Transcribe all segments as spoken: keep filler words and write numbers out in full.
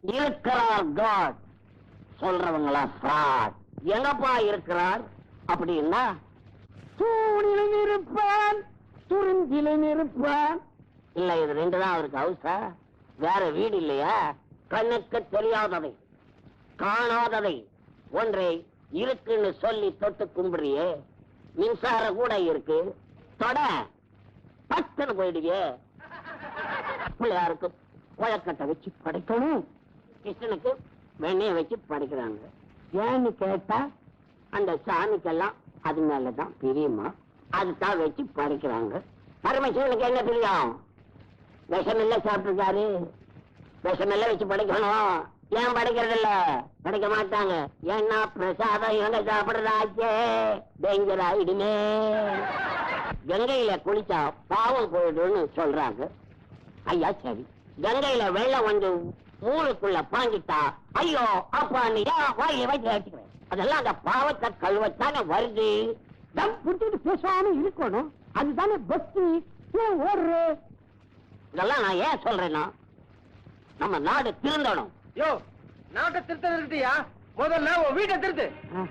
இருக்கிறார் God, சொல்றவங்களா fraud. எங்கப்பா இருக்கிறார் அப்படின்னா தூணிலும் இருப்பான், துறிஞ்சிலும் இருப்பான். இல்ல, இது ரெண்டு தான் அவருக்கு ஹவுஸா? வேற வீடு இல்லையா? கண்ணுக்கு தெரியாததை, காணாததை ஒன்றை இருக்குன்னு சொல்லி தொட்டு கும்பிடுறியே. மின்சாரம் கூட இருக்கு, தொட பத்துன்னு போயிடுவே. பிள்ளையாருக்கு குழக்கட்டை வச்சு படைக்கணும், கிருஷ்ணனுக்கு வெண்ணைய வச்சு படைக்கிறாங்க. ஏன்னு கேட்டா அந்த சாமிக்கெல்லாம் அது மேலதான் பிரியமா, அதுதான் வச்சு படைக்கிறாங்க. பரமசிவனுக்கு என்ன பிரியம்? விஷமெல்ல சாப்பிட்டுருக்காரு, விஷமெல்ல வச்சு படைக்கணும். ஏன் படைக்கிறது இல்ல? படைக்க மாட்டாங்க. ஏன்னா பிரசாதம் இவங்க சாப்பிடுறாச்சே, டேஞ்சர் ஆயிடுமே. கங்கையில குளிச்சா பாவம் போயிடுன்னு சொல்றாங்க. ஐயா சரி, கங்கையில வெள்ளம் வந்து ஊருக்குள்ள பாங்கிட்டா ஐயோ அப்பான்னு வாயில வச்சு வச்சுக்கிறேன். அதெல்லாம் அந்த பாவத்தை கழுவத்தானே வருது. தம் புடிச்சிட்டு பேசாம இருக்கணும், அதுதானே பக்தி. ஏன் ஓடுற? இதெல்லாம் நான் ஏன் சொல்றேன்னா, நம்ம நாடு திருந்தணும். யோ, நாட்டை திருத்த இருக்கியா? முதல்ல உன் வீட்டை திருத்து.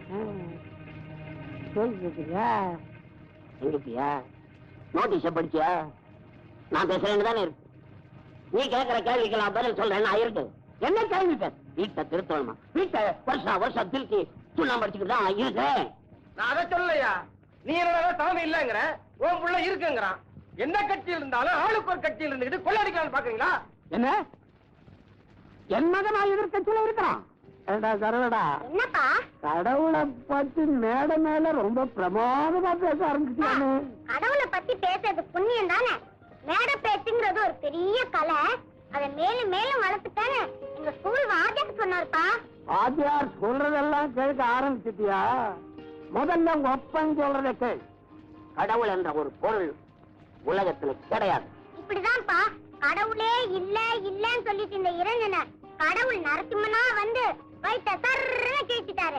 எங்கப்பியா நோட்டீஸ படிச்சியா? நான் பேசுறேன்னு தானே இருக்கு. நீ கேட்கிற கேள்விக்கெல்லாம் பதில் சொல்றேன். நான் இருக்கு என்ன கேள்வி பேச? வீட்டை திருத்தணுமா? வீட்டை வருஷம் வருஷம் திருத்தி சுண்ணாம்பு படிச்சுக்கிட்டு தான் இருக்கேன். நான் அதை சொல்லலையா? நீ என்னடா சாமி இல்லங்கிற, உன் புள்ள இருக்குங்கிறான். என்ன கட்சியில் இருந்தாலும் ஆளுக்கு ஒரு கட்சியில் இருந்துகிட்டு கொள்ளடிக்கலாம்னு பாக்குறீங்களா? என்ன என் மகன் நான் எதிர்கட்சியில இருக்கிறான். என்னப்பா கடவுளை பத்தி மேட மேல ரொம்ப பிரமாதமா பேச ஆரம்பிச்சிட்டானு. கடவுளை பத்தி பேசுறது புண்ணியம் தானே. மேட பேச்சுங்கிறது ஒரு பெரிய கலை. அதை மேலும் மேலும் வளர்த்துட்டானே எங்க ஸ்கூல் வாத்தியார் சொன்னார்ப்பா. வாத்தியார் சொல்றதெல்லாம் கேட்க ஆரம்பிச்சிட்டியா? முதல்ல உங்க ஒப்பன் சொல்றத கேள். கடவுள் என்ற ஒரு பொருள் உலகத்துல கிடையாது. இப்படிதான்ப்பா கடவுளே இல்ல இல்லன்னு சொல்லிட்டு இந்த இளைஞனை கடவுள் நரசிம்மனா வந்து வயிற்ற சர்ன்னு கேட்டுட்டாரு.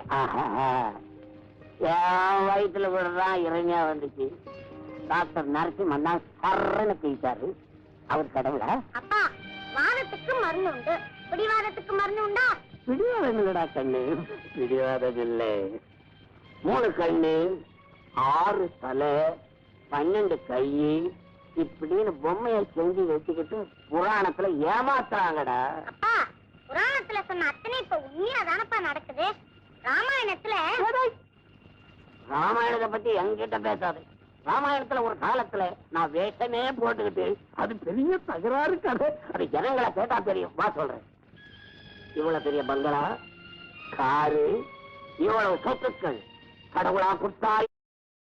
என் வயிற்றுல விடுறான் இறைமையா வந்துச்சு. டாக்டர் நரசிம்மன் தான் சர்ன்னு கேட்டாரு. அவர் கடவுளா? அப்பா, வாதத்துக்கு மருந்து உண்டு, பிடிவாதத்துக்கு மருந்து உண்டா? பிடிவாதம் இல்லடா கண்ணு, பிடிவாதம் இல்லை. மூணு கண்ணு, ஆறு தலை, பன்னெண்டு கை, இப்படின்னு பொம்மையை செஞ்சு வச்சுக்கிட்டு புராணத்துல ஏமாத்துறாங்கடா. அப்பா, புராணத்துல சொன்ன அத்தனை இப்ப உண்மையா தானப்பா நடக்குது. ராமாயணத்துல ராமாயணத்தை பத்தி என்கிட்ட பேசாது. ராமாயணத்துல ஒரு காலத்துல நான் வேஷமே போட்டுக்கிட்டு அது பெரிய தகராறு கதை. அது ஜனங்களை கேட்டா தெரியும். வா சொல்றேன். இவ்வளவு பெரிய பங்களா, காரு, இவ்வளவு சொத்துக்கள் கடவுளா கொடுத்தாய்.